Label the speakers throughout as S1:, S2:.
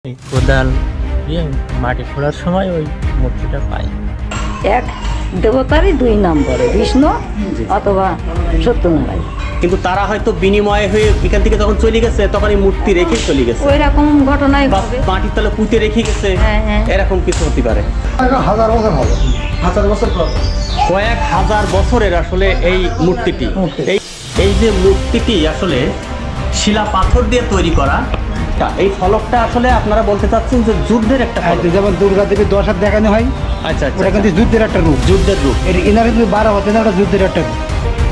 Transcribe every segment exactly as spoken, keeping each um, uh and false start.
S1: এই কোদাল দিয়ে মাটি খোঁড়ার সময় ওই মূর্তিটা পাই।
S2: এক দেবতারই দুই নাম বলে, বিষ্ণু অথবা সত্যনারায়ণ।
S3: কিন্তু তারা হয়তো বিনিময় হয়ে এখান থেকে যখন চলে গেছে তখন এই মূর্তি রেখে চলে গেছে,
S2: ওই রকম ঘটনাই
S3: বা
S2: হবে।
S3: মাটির তলে পুঁতে রেখে গেছে,
S2: হ্যাঁ, হ্যাঁ।
S3: এরকম কিছু হতে পারে।
S4: হাজার বছর হবে, হাজার বছর পর
S3: কয়েক হাজার বছরের আসলে এই মূর্তিটি, এই এই যে মূর্তিটি আসলে শিলা পাথর দিয়ে তৈরি করা। এই ফলকটা আসলে আপনারা বলতে চাচ্ছেন যে যুদ্ধের একটা ফলক।
S4: যেমন দুর্গা দেবীর দশ হাত দেখানো হয়,
S3: আচ্ছা আচ্ছা,
S4: ওটা কিন্তু যুদ্ধের একটা রূপ,
S3: যুদ্ধের রূপ।
S4: এর এনার কিন্তু বারো হতে না, ওটা যুদ্ধের একটা রূপ।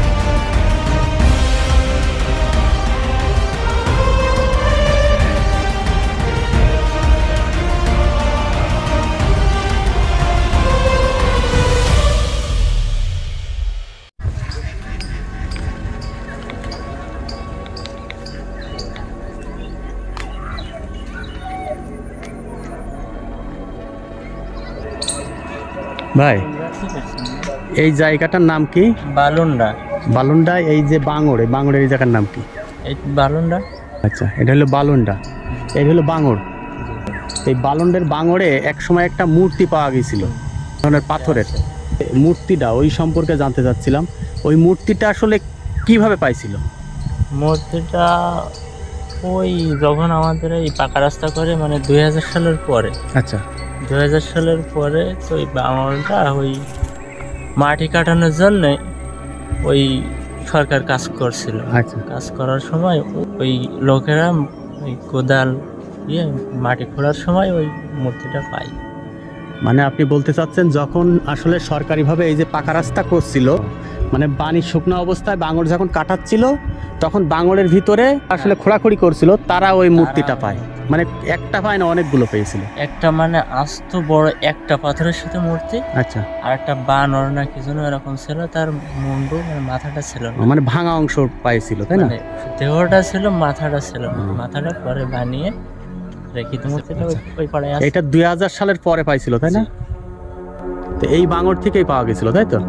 S3: ভাই, এই জায়গাটার নাম কি?
S1: বালুন্ডা।
S3: বালুন্ডা। এই যে বাঙড়, এই বাঙড়ের এই জায়গার নাম কি?
S1: এই বালুন্ডা।
S3: আচ্ছা, এটা হলো বালুন্ডা, এটা হলো বাঙড়। এই বালুন্ডের বাঙড়ে এক সময় একটা মূর্তি পাওয়া গিয়েছিল, ধরনের পাথরের মূর্তিটা, ওই সম্পর্কে জানতে চাচ্ছিলাম। ওই মূর্তিটা আসলে কিভাবে পাইছিল?
S1: মূর্তিটা ওই যখন আমাদের এই পাকা রাস্তা করে মানে দুই হাজার সালের পরে,
S3: আচ্ছা,
S1: দুই হাজার সালের পরে তো ওই বাঙালটা ওই মাটি কাটানোর জন্যে ওই সরকার কাজ করছিল।
S3: আচ্ছা,
S1: কাজ করার সময় ওই লোকেরা ওই কোদাল দিয়ে মাটি খোঁড়ার সময় ওই মূর্তিটা পাই।
S3: মানে আপনি বলতে চাচ্ছেন যখন আসলে সরকারিভাবে এই যে পাকা রাস্তা করছিল, মানে পানি শুকনো অবস্থায় বাঙড় যখন কাটাচ্ছিল, তখন বাঙড়ের ভিতরে আসলে খোঁড়াখুড়ি করছিল, তারা ওই মূর্তিটা পায়। মানে একটা পায় না, অনেকগুলো পেয়েছিল।
S1: একটা মানে আস্ত বড় একটা পাথরের সাথে মূর্তি,
S3: আচ্ছা,
S1: আর একটা বানর না কি যেন এরকম ছিল, তার মুন্ডু মানে মাথাটা ছিল না,
S3: মানে ভাঙা অংশ পাইছিল, তাই না?
S1: মানে দেহটা ছিল, মাথাটা ছিল না।
S3: হুম।
S1: মাথাটা পরে বানিয়ে রেখিত মূর্তিটা ওই- ওই পাড়ায় আছে।
S3: এটা দুই হাজার সালের পরে পাইছিল, তাই না? তো এই বাঙড় থেকেই পাওয়া গেছিল, তাই তো?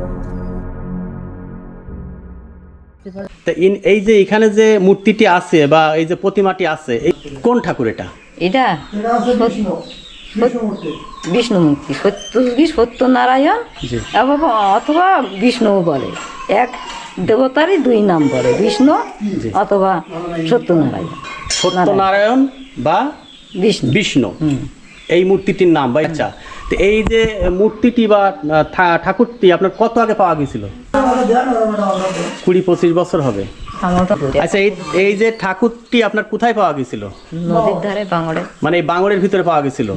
S3: তা ইন- এই যে এখানে যে মূর্তিটি আছে বা এই যে প্রতিমাটি আছে, এই কোন ঠাকুর এটা?
S2: এটা বিষ্ণু মূর্তি, সত্যযুগী সত্যনারায়ণ
S3: জি।
S2: এবং অথবা বিষ্ণু বলে। এক দেবতারই দুই নাম বলে, বিষ্ণু
S3: জি।
S2: অথবা সত্যনারায়ণ।
S3: সত্যনারায়ণ বা
S2: বিষ্ণু।
S3: বিষ্ণু,
S2: হুম।
S3: এই মূর্তিটির নাম। বা আচ্ছা, তো এই যে মূর্তিটি বা আহ, ঠা- ঠাকুরটি আপনার কত আগে পাওয়া গেছিল? কুড়ি পঁচিশ বছর হবে।
S2: আমার তো ঘুরে
S3: আচ্ছা, এই এই যে ঠাকুরটি আপনার কোথায় পাওয়া গেছিল?
S2: নদীর ধারে বাঙড়ে।
S3: মানে এই বাঙড়ের ভিতরে পাওয়া গেছিল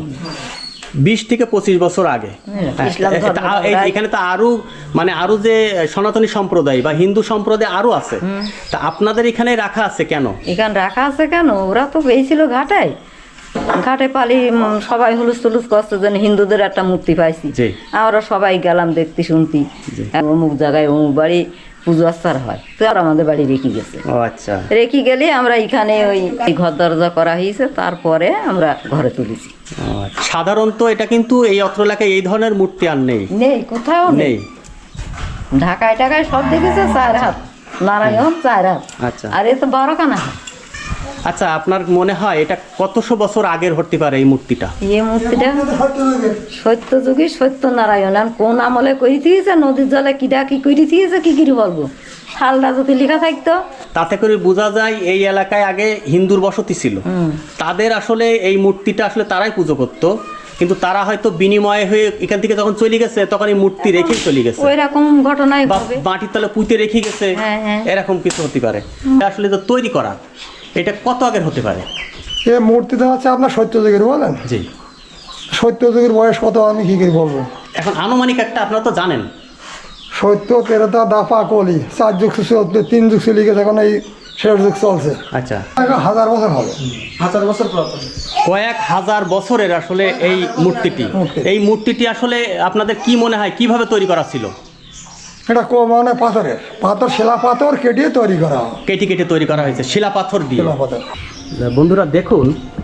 S3: বিশ থেকে পঁচিশ বছর আগে। হ্যাঁ,
S2: ইসলাম
S3: এটা-
S2: ধর্ম
S3: আ- এই-
S2: প্রায়-
S3: এখানে তো আরো মানে আরো যে সনাতনী সম্প্রদায় বা হিন্দু সম্প্রদায় আরো আছে, তা আপনাদের এখানে রাখা আছে কেন?
S2: এখানে রাখা আছে কেন? ওরা তো পেয়েছিল ঘাটায়, ঘাটে পালি উম, সবাই হুলুস তুলুস করছে যেন হিন্দুদের একটা মূর্তি পাইছি।
S3: জি।
S2: আমরা সবাই গেলাম দেখতে শুনতি,
S3: জি।
S2: অমুক জায়গায় অমুক বাড়ি পুজো আচার হয়, তো আর আমাদের বাড়ি রেখে গেছে।
S3: ও আচ্ছা,
S2: রেখে গেলে আমরা এখানে ওই এই ঘর দরজা করা হয়েছে, তারপরে আমরা ঘরে তুলেছি।
S3: ও আচ্ছা। সাধারণত এটা কিন্তু এই অত্র এলাকায় এই ধরনের মূর্তি আর নেই,
S2: নেই, কোথাও নেই।
S3: নেই।
S2: ঢাকায় টাকায় সব দেখেছে চার হাত, নারায়ণ চার হাত,
S3: আচ্ছা
S2: আর এ তো বারো কানা হাত।
S3: আচ্ছা, আপনার মনে হয় এটা কতশো বছর আগের হতে পারে এই মূর্তিটা?
S2: এই মূর্তিটা সত্যযুগী সত্যনারায়ণ। আর কোন আমলে করে দিয়েছে, নদীর জলে কিডা কি করে দিয়েছে কি করে বলবো, সালটা যদি লেখা থাকতো।
S3: তাতে করে বোঝা যায় এই এলাকায় আগে হিন্দুর বসতি ছিল,
S2: হুম।
S3: তাদের আসলে এই মূর্তিটা আসলে তারাই পুজো করতো, কিন্তু তারা হয়তো বিনিময় হয়ে এখান থেকে যখন চলে গেছে তখন এই মূর্তি রেখে চলে গেছে,
S2: ওই রকম ঘটনাই
S3: বা
S2: হবে।
S3: মাটির তলে পুঁতে রেখে গেছে,
S2: হ্যাঁ, হ্যাঁ।
S3: এরকম কিছু হতে পারে। আসলে তো তৈরি করা এটা কত আগের হতে পারে?
S4: এ মূর্তিটা হচ্ছে আপনার সত্যযুগের, বলেন
S3: জি।
S4: সত্যযুগের বয়স কত আমি কি করে বলবো।
S3: এখন আনুমানিক একটা আপনারা তো জানেন।
S4: সত্য তেরোটা দাফা কলি, চার যুগ চলছে, তিন যুগ চলে গেছে, এখন এই শেষ যুগ চলছে।
S3: আচ্ছা,
S4: হাজার বছর হবে, হাজার বছর পর
S3: কয়েক হাজার বছরের আসলে এই মূর্তিটি,
S4: মূর্তি।
S3: এই মূর্তিটি আসলে আপনাদের কি মনে হয় কিভাবে তৈরি করা ছিল?
S4: এটা কো মানে পাথরের, পাথর শিলা পাথর কেটে তৈরি করা হয়,
S3: কেটে কেটে তৈরি করা হয়েছে শিলা পাথর দিয়ে।
S4: শিলা পাথর।
S3: বন্ধুরা দেখুন,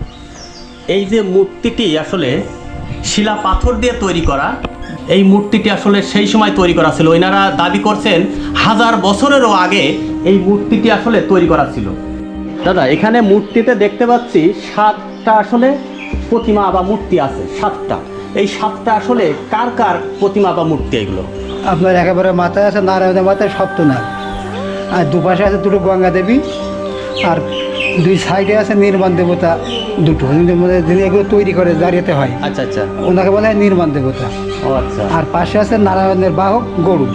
S3: এই যে মূর্তিটি আসলে শিলা পাথর দিয়ে তৈরি করা, এই মূর্তিটি আসলে সেই সময় তৈরি করা ছিল। ওনারা দাবি করছেন হাজার বছরেরও আগে এই মূর্তিটি আসলে তৈরি করা ছিল। দাদা, এখানে মূর্তিতে দেখতে পাচ্ছি সাতটা আসলে প্রতিমা বা মূর্তি আছে সাতটা, এই সাতটা আসলে কার কার প্রতিমা বা মূর্তি এগুলো?
S4: আপনার একেবারে মাথায় আছে নারায়ণের মাথায় সপ্তনাগ, আর দুপাশে আছে দুটো গঙ্গা দেবী, আর দুই সাইডে আছে নির্মাণ দেবতা দুটো, যিনি এগুলো তৈরি করে দাঁড়িয়েতে হয়,
S3: আচ্ছা আচ্ছা,
S4: ওনাকে বলা হয় নির্মাণ দেবতা।
S3: ও আচ্ছা,
S4: আর পাশে আছে নারায়ণের বাহক গরু,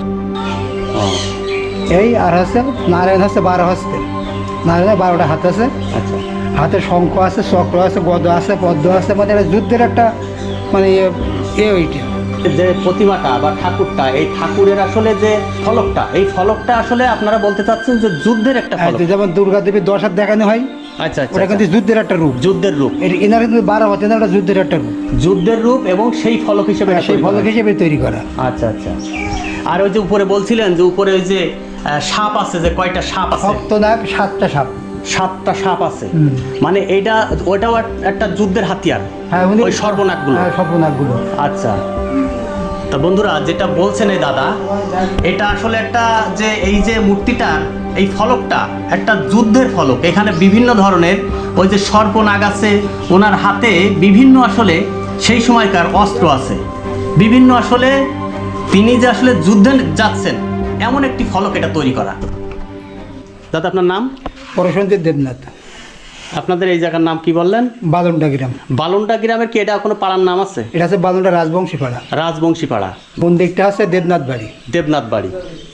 S3: ও
S4: এই আর হচ্ছে নারায়ণ হচ্ছে বারো হস্তে, নারায়ণের বারোটা হাত আছে,
S3: আচ্ছা,
S4: হাতে শঙ্খ আছে, চক্র আছে, গদ আছে, পদ্ম আছে, মানে এটা যুদ্ধের একটা মানে এ- এ ওইটা।
S3: যে প্রতিমাটা বা ঠাকুরটা, এই ঠাকুরের আসলে যে ফলকটা, এই ফলকটা আসলে আপনারা বলতে চাচ্ছেন যে যুদ্ধের একটা
S4: আর
S3: ফলক?
S4: যেমন দুর্গা দেবীর দশ হাত দেখানো হয়,
S3: আচ্ছা আচ্ছা,
S4: ওটা কিন্তু
S3: আচ্ছা।
S4: যুদ্ধের একটা রূপ,
S3: যুদ্ধের রূপ,
S4: এর এনার কিন্তু বারো হাত, এনার একটা যুদ্ধের একটা রূপ,
S3: যুদ্ধের রূপ এবং সেই ফলক হিসেবে এটা
S4: সেই
S3: তৈরি
S4: ফলক
S3: করা।
S4: হিসেবে তৈরি করা।
S3: আচ্ছা আচ্ছা। আর ওই যে উপরে বলছিলেন যে উপরে ওই যে আহ, সাপ আছে, যে কয়টা সাপ আছে?
S4: সপ্তনাগ সাতটা সাপ।
S3: সাতটা সাপ আছে,
S4: হুম।
S3: মানে এইটা ওইটাও এক- একটা যুদ্ধের হাতিয়ার,
S4: হ্যাঁ উনি
S3: ওই সর্বনাকগুলো।
S4: হ্যাঁ সর্বনাকগুলো।
S3: আচ্ছা, তা বন্ধুরা যেটা বলছেন এই দাদা, এটা আসলে একটা যে এই যে মূর্তিটার এই ফলকটা একটা যুদ্ধের ফলক, এখানে বিভিন্ন ধরনের ওই যে সর্পনাগ আছে, ওনার হাতে বিভিন্ন আসলে সেই সময়কার অস্ত্র আছে, বিভিন্ন আসলে তিনি যে আসলে যুদ্ধে যাচ্ছেন এমন একটি ফলক এটা তৈরি করা। দাদা আপনার নাম?
S4: পরশন্তীর দেবনাথ,
S3: আপনাদের এই জায়গার নাম কি বললেন?
S4: বালুন্ডা গ্রাম।
S3: বালুন্ডা গ্রামের কি এটা কোনো পাড়ার নাম আছে?
S4: এটা হচ্ছে বালুন্ডা রাজবংশী পাড়া,
S3: রাজবংশী পাড়া,
S4: মন্দিরটা আছে দেবনাথ বাড়ি।
S3: দেবনাথ বাড়ি।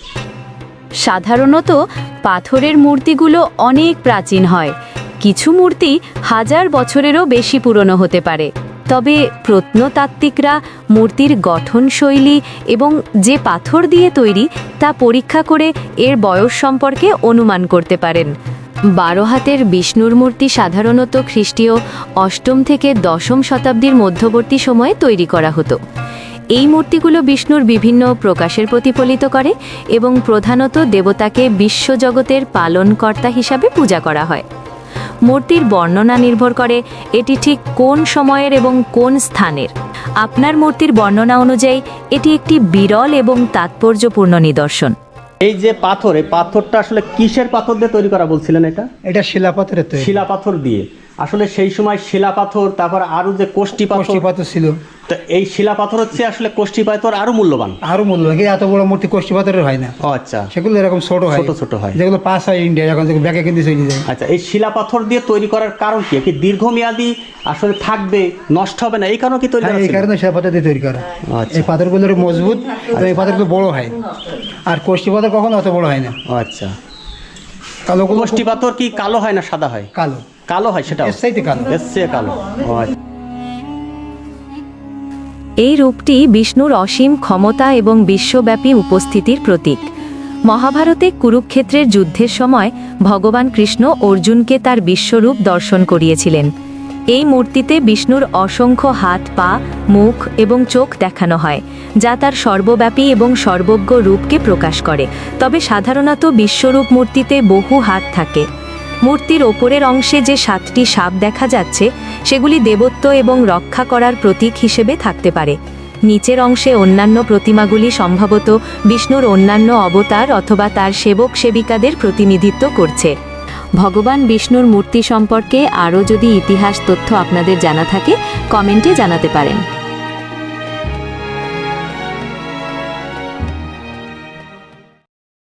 S5: সাধারণত পাথরের মূর্তিগুলো অনেক প্রাচীন হয়, কিছু মূর্তি হাজার বছরেরও বেশি পুরনো হতে পারে। তবে প্রত্নতাত্ত্বিকরা মূর্তির গঠনশৈলী এবং যে পাথর দিয়ে তৈরি তা পরীক্ষা করে এর বয়স সম্পর্কে অনুমান করতে পারেন। বারো হাতের বিষ্ণুর মূর্তি সাধারণত খ্রিস্টীয় অষ্টম থেকে দশম শতাব্দীর মধ্যবর্তী সময়ে তৈরি করা হতো। এই মূর্তিগুলো বিষ্ণুর বিভিন্ন প্রকাশের প্রতিফলিত করে এবং প্রধানত দেবতাকে বিশ্বজগতের পালনকর্তা হিসাবে পূজা করা হয়। মূর্তির বর্ণনা নির্ভর করে এটি ঠিক কোন সময়ের এবং কোন স্থানের। আপনার মূর্তির বর্ণনা অনুযায়ী এটি একটি বিরল এবং তাৎপর্যপূর্ণ নিদর্শন।
S3: এই যে পাথর, এই পাথরটা আসলে কিসের পাথর দিয়ে তৈরি করা বলছিলেন? এটা
S4: এটা শিলাপাথরের তৈরি,
S3: শিলা পাথর দিয়ে। আসলে সেই সময় শিলা পাথর, তারপর আরো যে কোষ্টি পাথর,
S4: কোষ্ঠী পাথর ছিল।
S3: তো এই শিলা পাথর হচ্ছে আসলে কোষ্টি পাথর আরো মূল্যবান।
S4: আরো মূল্য, কিন্তু এত বড় মূর্তি কোষ্ঠী পাথরের হয় না,
S3: ও আচ্ছা,
S4: সেগুলো এরকম ছোট হয়,
S3: ছোট ছোট হয়,
S4: যেগুলো পাস হয় ইন্ডিয়া, এখন যেগুলো ব্যাগে কিন্তু চলে যায়।
S3: আচ্ছা। এই শিলা পাথর দিয়ে তৈরি করার কারণ কি? কি দীর্ঘমেয়াদী আসলে থাকবে, নষ্ট হবে না, এই কারণে কি তৈরি
S4: হ্যাঁ
S3: করা
S4: এই
S3: ছিল?
S4: কারণে শিলাপাথর দিয়ে তৈরি করা।
S3: আচ্ছা।
S4: এই পাথরগুলো মজবুত, আর এই পাথরগুলো বড় হয়, আর কোষ্ঠী পাথর কখনো অত বড় হয় না।
S3: ও আচ্ছা।
S4: কালো
S3: কোষ্টি পাথর কি কালো হয় না সাদা হয়?
S4: কালো,
S3: কালো হয়, সেটা
S4: এর চাইতে কালো।
S3: এসছে কালো। ও আচ্ছা।
S5: এই রূপটি বিষ্ণুর অসীম ক্ষমতা এবং বিশ্বব্যাপী উপস্থিতির প্রতীক। মহাভারতে কুরুক্ষেত্রের যুদ্ধের সময় ভগবান কৃষ্ণ অর্জুনকে তার বিশ্বরূপ দর্শন করিয়েছিলেন। এই মূর্তিতে বিষ্ণুর অসংখ্য হাত, পা, মুখ এবং চোখ দেখানো হয়, যা তার সর্বব্যাপী এবং সর্বজ্ঞ রূপকে প্রকাশ করে। তবে সাধারণত বিশ্বরূপ মূর্তিতে বহু হাত থাকে। মূর্তির ওপরের অংশে যে সাতটি সাপ দেখা যাচ্ছে সেগুলি দেবত্ব এবং রক্ষা করার প্রতীক হিসেবে থাকতে পারে। নিচের অংশে অন্যান্য প্রতিমাগুলি সম্ভবত বিষ্ণুর অন্যান্য অবতার অথবা তার সেবক সেবিকাদের প্রতিনিধিত্ব করছে। ভগবান বিষ্ণুর মূর্তি সম্পর্কে আরও যদি ইতিহাস তথ্য আপনাদের জানা থাকে কমেন্টে জানাতে পারেন।